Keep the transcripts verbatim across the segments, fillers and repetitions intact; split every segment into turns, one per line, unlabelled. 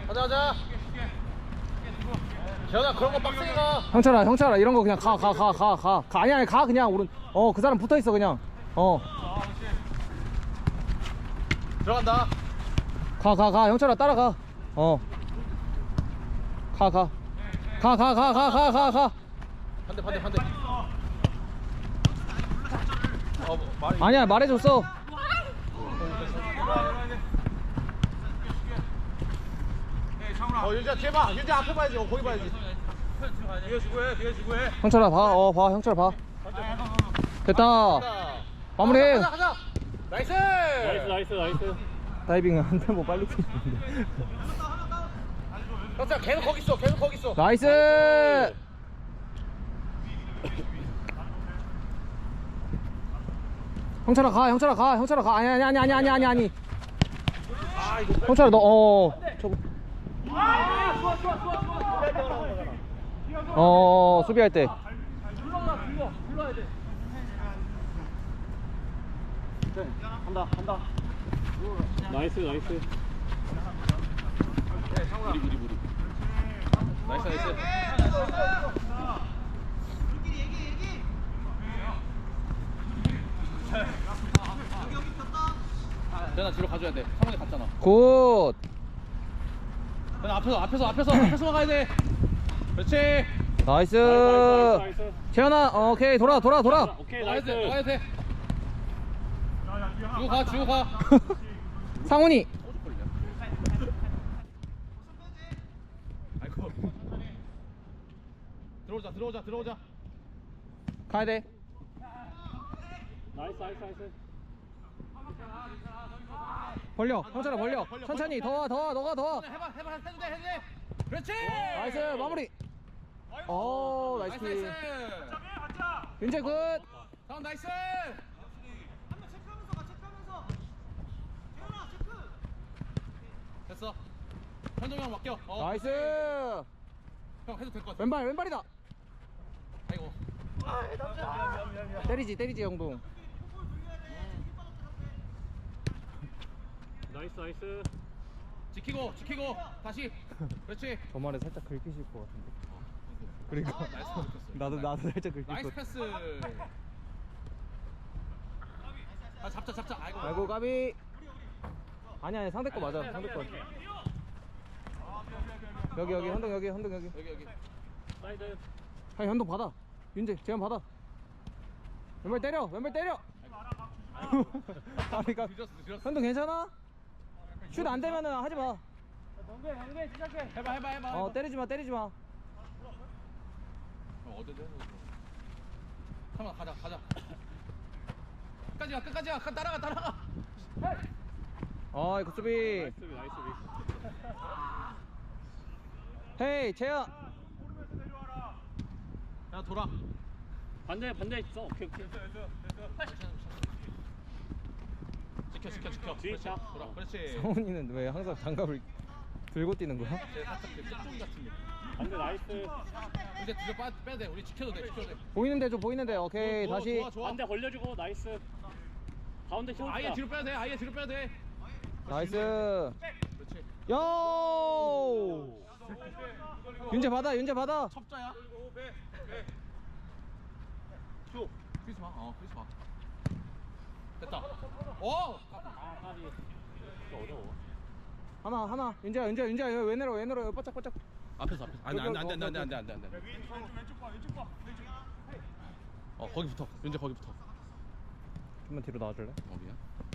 가자 가자. 재현아 그런 거 빡세게 가.
형철아 형철아 이런 거 그냥 가 가 가 가 가 가 아니 아니 가 그냥 오른 어 그 사람 붙어 있어 그냥 어
들어간다.
가 가 가 형철아 따라가 어 가 가 가 가 가 가 가 가 가
반대 반대 반대. 어 뭐, 말이.
아니야 말해줬어
어 윤지야 뒤에 봐. 윤지 앞에 봐야지. 어 거기 봐야지. 뒤에 주고해. 뒤에 주고해.
형철아 봐어 봐 형철아 봐 됐다 마무리해
가자 가자. 나이스.
나이스 나이스 나이스.
다이빙은 한 템포 빨리 뛰는데
형사 계속 거기 있어. 계속 거기 있어.
나이스 형철아 가 형철아 가 형철아 가 아니 아니 아니 아니 아니 아니 아니 형철아 너어 저거 어 수비할 때
나이스 나이스.
무리 무리 무리. 나이스 나이스. 재현아 뒤로 가줘야 돼. 상원이 갔잖아.
굿
재현아 앞에서 앞에서 앞에서 앞에서만 가야 돼. 그렇지.
나이스
나이스 나이스 나이스.
재현아 어, 오케이 돌아 돌아 돌아
오케이
나가야
나이스.
돼. 나가야 돼. 주고 가 주고 가.
상훈이
소주 걸려. 아이고. 들어오자 들어오자 들어오자.
가야 돼
나이스 나이스 나이스.
벌려 형철아 벌려
벌려,
천천히
벌려.
더와 더와 너가 더와
해봐 해봐 해도 돼 해도 돼. 그렇지.
나이스 마무리 오 나이스
나이스
킥
나이스.
윤재 굿
다음 나이스. 됐어. 현동이 형 맡겨. 어.
나이스
형 해도 될 것 같아.
왼발 왼발이다
아이고.
때리지 때리지 영동
나이스 나이스.
지키고 지키고 다시. 그렇지.
저 말에 살짝 긁히실 것 같은데 그러니까
나이스 줬어.
나도 나도 살짝 긁힐
나이스
것
패스. 아 잡자 잡자. 아이고.
아이고 까비 아니 아니 상대 거 맞아 상대 거 여기 여기 현동 여기 현동 여기
여기 여기.
사이드.
아니 현동 받아 윤재 재현 받아 왼발 때려 왼발 때려 아니 까
늦었어 늦었어.
현동 괜찮아? 슛 안 되면은 하지 마.
해봐 해봐 해봐.
어 때리지 마 때리지 마.
어디든. 잠깐 가자 가자. 끝까지 가 끝까지 가 따라가 따라가.
어 이거 수비.
나이스 수비 나이스 수비.
헤이 재현.
야 돌아.
반대 반대 있어. 오케이 오케이.
지켜 지켜 지켜.
뒤
그렇지.
차.
돌아. 그렇지.
성훈이는 왜 항상 장갑을 들고 뛰는 거야?
쟤 살짝 그 끝종이 같은 게.
반대 나이스.
이제 뒤로 빠 빼야 돼. 우리 지켜도 돼 지켜도 돼.
보이는데 좀 보이는데 오케이
좋아,
다시.
좋아, 좋아.
반대 걸려주고 나이스. 가운데 키워주자.
아예 뒤로 빼야 돼. 아예 뒤로 빼야 돼.
나이스.
그렇지.
요. 윤재 받아 윤재 받아.
첩자야. 큐. 크리스 봐. 어 크리스 봐. 됐다. 오.
아 까비. 진짜 어려워.
하나 하나 윤재야 윤재야 윤재야 왜 내려 왜 내려 바짝 바짝.
앞에서 앞에서. 안돼 안돼 안돼 안돼 안돼 안돼 안돼. 어 거기 붙어. 윤재 거기 붙어.
좀만 뒤로 나와줄래?
어 미안.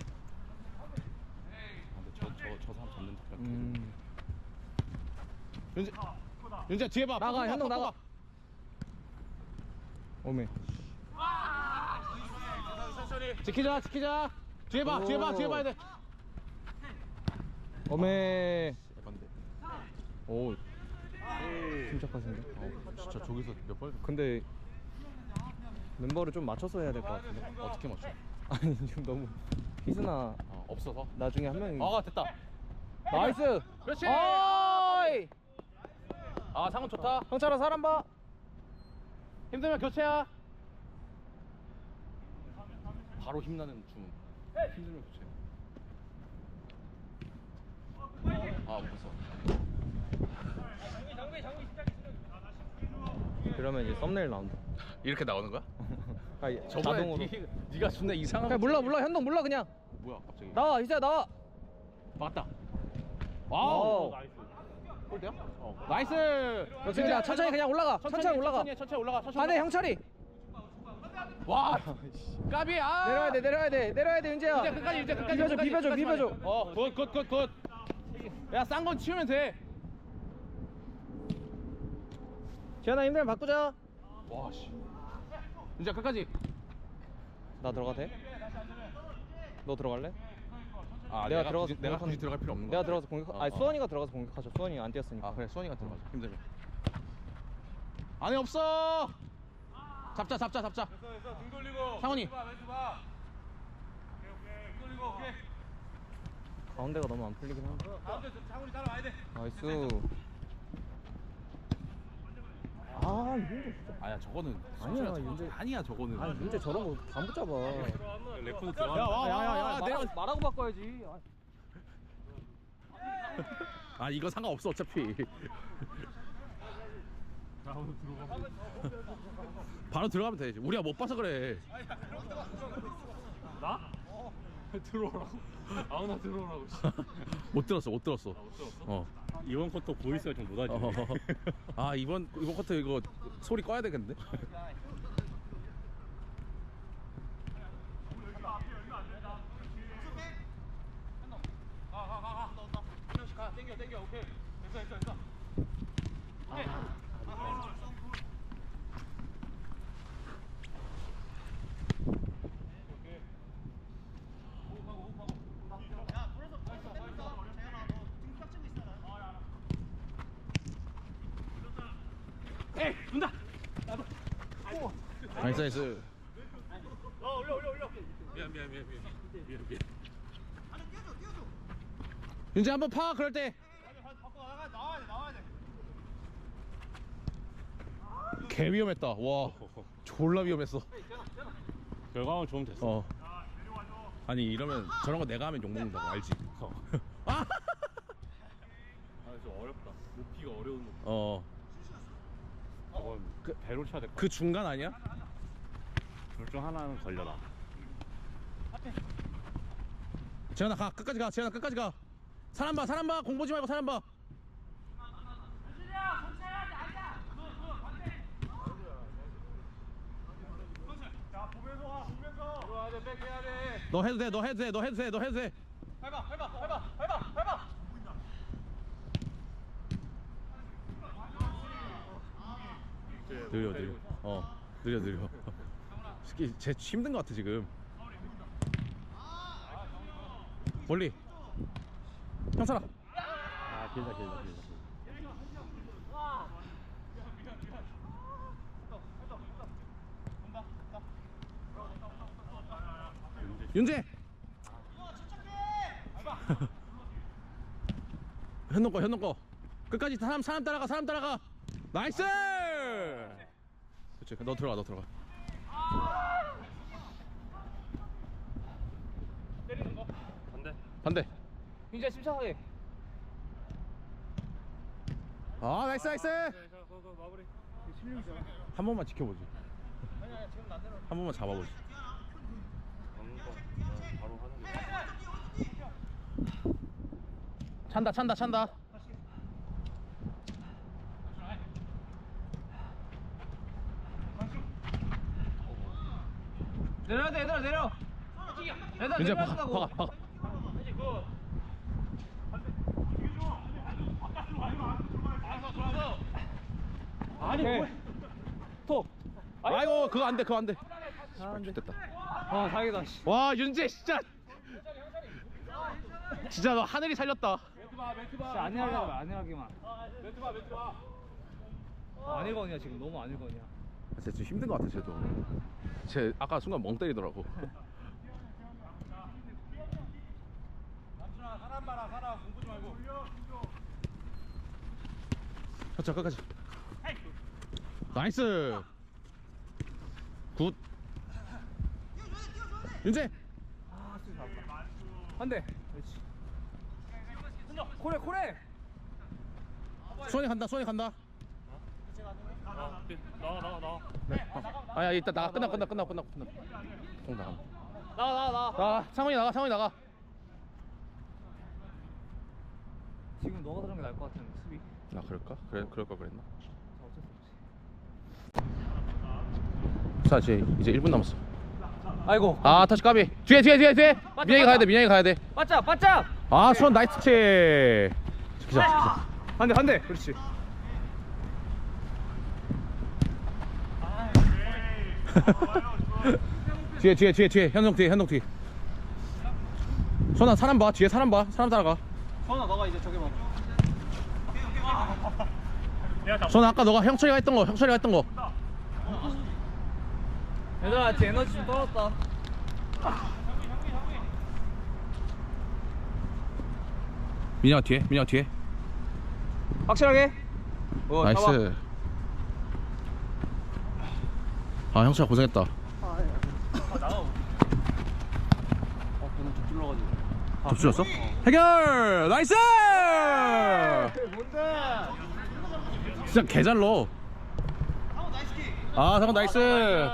아, 근데 저 저 저 사람 잡는 척.
음.
윤재. 윤재 뒤에 봐.
나가,
봐,
현동
봐,
나가.
봐.
오메.
지키자 지키자. 뒤에 봐 뒤에 봐 뒤에 봐야 돼.
오메.
에반데.
오. 침착하신데.
어 진짜 저기서 몇 번?
근데 멤버를 좀 맞춰서 해야 될 것 같은데.
어떻게 맞춰?
아니 지금 너무 희순아
어 없어서.
나중에 한 명이.
아 됐다.
나이스.
그렇지.
어이.
아 상훈 좋다.
형철아 사람 봐.
힘들면 교체야. 바로 힘나는 주문. 힘들면 교체. 아 못 봤어.
그러면 이제 썸네일 나온다.
이렇게 나오는 거야?
아, 예,
저번에
자동으로.
니, 니가 존나 이상한
그냥 몰라 몰라 현동 몰라 그냥.
뭐야 갑자기
나와 이제 나와.
맞다.
와우.
와우. 골대야?
어.
나이스.
역시 그냥 천천히 그냥 올라가. 천천히, 올라가.
천천히, 천천히 올라가. 천천히
반대
올라가.
형철이.
와. 까비. 아.
내려야 돼 내려야 돼 내려야 돼 윤재야.
이제 끝까지 이제 끝까지.
비벼줘
끝까지,
비벼줘
끝까지만
비벼줘.
해. 어, 굿, 굿, 굿, 굿. 야, 싼 건 치우면 돼.
재현아 힘들면 바꾸자.
와, 씨. 이제 끝까지.
나 들어가도 돼? 너 들어갈래?
아,
내가 들어가서
굳이, 내가
공격하는-
굳이 들어갈 필요 없는 거야?
내가 들어가서 공격.
어,
아니
어.
수원이가 들어가서 공격하죠. 수원이 안 뛰었으니까.
아, 그래. 수원이가 들어가자. 힘들면. 안에 없어. 잡자, 잡자, 잡자.
됐어 됐어 등 돌리고
상훈이.
멘트 봐 멘트 봐 오케이 오케이 등 돌리고 오케이
가운데가 너무 안 풀리긴 한데.
가운데 상훈이 따라와야 돼
나이스. 아 윤재 진짜.
아니야, 저거는.
아니야,
저거-
윤재.
아니야, 저거는.
아니 윤재 저런 거 다 못 잡아.
레프트
야,
들어가.
와, 와, 와, 내려.
말하고, 말하고 바꿔야지. 아.
아, 이거 상관없어, 어차피. 바로 들어가면 되지. 우리가 못 봐서 그래.
나? 들어오라고? 아무나 들어오라고.
못 들었어, 못 들었어.
못 들었어?
어.
이번 컷도 보이스가 좀 못하지.
어. 아, 이번 이번 커트 이거 소리 꺼야 되겠는데?
한 명씩 가 땡겨 땡겨 오케이 됐어 됐어 됐어 오케이
에이, 문다.
나이스 나이스.
어 올려 올려 올려
미안 미안 미안 미안 미안 미안.
윤재 한번 파 그럴 때.
바꿔 나가 나와야 돼 나와야 돼
개 위험했다. 와, 졸라 위험했어.
결과만 좋으면 됐어.
어. 아니 이러면 저런 거 내가 하면 욕 먹는다고 알지?
어.
아.
아, 좀 어렵다. 높이가 어려운 높이.
어.
저건 그 배로 쳐야 될 것 같아.
그 중간 아니야?
둘 중 하나는 걸려라.
재현아 가 끝까지 가. 재현아 끝까지 가. 사람 봐 사람 봐. 공 보지 말고 사람 봐.
자 보면서 가 보면서 들어와야 돼 백해야 돼
너 해도 돼. 너 해도 돼. 너 해도 돼. 너 해도 돼.
밟아 밟아 밟아 밟아 밟아
느려 느려. 어. 느려 느려. 새끼 쟤 힘든 거 같아 지금. 멀리. 형사라.
아, 길다 길다 길다.
윤재. 현동 거 현동 거. 끝까지 사람 사람 따라가 사람 따라가. 나이스. 그렇지. 너 들어가 너 들어가.
반대.
반대.
윤재 침착하게.
아 나이스 나이스.
그거 마무리.
한 번만 지켜보지. 한 번만 잡아보지.
먹는 거 그냥 바로 하는 게.
찬다 찬다 찬다.
내려야 돼 얘들아 내려. 얘들아
윤재 박아
내려간다고.
박아 박아.
아니 뭐. 톡.
아이고 그거 안돼 그거 안돼.
아, 안돼.
됐다.
아 다행이다. 씨.
와 윤재 진짜. 진짜 너 하늘이 살렸다.
멘트 봐 멘트 봐
진짜 안 해하기만 안 해하기만.
멘트 봐 멘트 봐
안 읽었냐 지금 너무 안 읽었냐.
진짜 좀 힘든 것 같아 쟤도. 쟤 아까 순간 멍 때리더라고.
남준아 사람 봐라 사람 공 보지 말고
자 끝까지. 나이스. 굿. 윤재.
한대. 그렇지. 코레 코레.
수원이 간다 수원이 간다.
아, 네. 나와 나와 나와.
네. 어. 아야 이따 나가 끝나 끝나 끝나 끝나 끝나. 공 나가.
나와 나와 나와.
나 상원이 나가 상원이 나가.
지금 너가 들은 게 나을 것 같은 수비.
나 그럴까? 그래 그럴 걸 그랬나?
어쩔 수 없지.
자 이제 이제 일 분 남았어.
아이고.
아 터치 까비. 뒤에 뒤에 뒤에 뒤에.
맞다,
민영이 가야
맞다.
돼 민영이 가야 돼.
바짝 바짝.
아 수원 나이스 채. 기자 기자.
한대 한대. 그렇지.
뒤에 뒤에 뒤에 뒤에 현동 뒤에 현동 뒤에. 선아 사람 봐 뒤에 사람 봐 사람 따라가.
선아 너가 이제 저기 봐.
선아 아까 너가 형철이가 했던 거 형철이가 했던 거.
얘들아 제 에너지 좀 떨어졌다.
민영아 뒤에 민영아 뒤에.
확실하게. 어,
나이스.
잡아.
아 형철아 고생했다.
아 나가. 어 그냥 좀 찔러가지고.
접수였어? 해결 나이스.
뭔데?
진짜 개잘 넣어. 아 상원 나이스.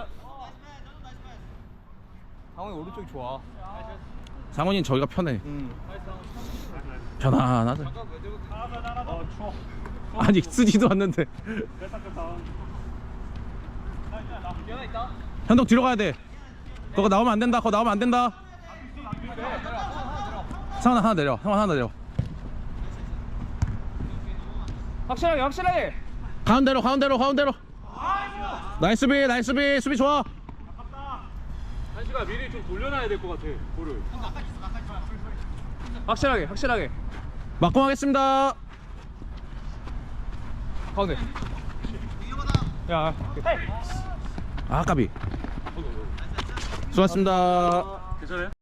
상훈이 오른쪽이 좋아.
상원이는 저기가 편해.
응.
편안하다.
아 추워.
아니 쓰지도 않는데.
기현아 있다.
현동 뒤로 가야 돼. 그거 나오면 안 된다. 그거 나오면 안 된다. 상원 하나 내려. 상원 하나 내려.
확실하게 확실하게.
가운데로 가운데로 가운데로. 나이스 비 나이스 비 수비 좋아.
한시가 미리 좀 돌려놔야 될 것 같아. 볼을.
확실하게 확실하게.
막공 하겠습니다.
가운데. 야.
아 까비. 수고하셨습니다.
괜찮아요?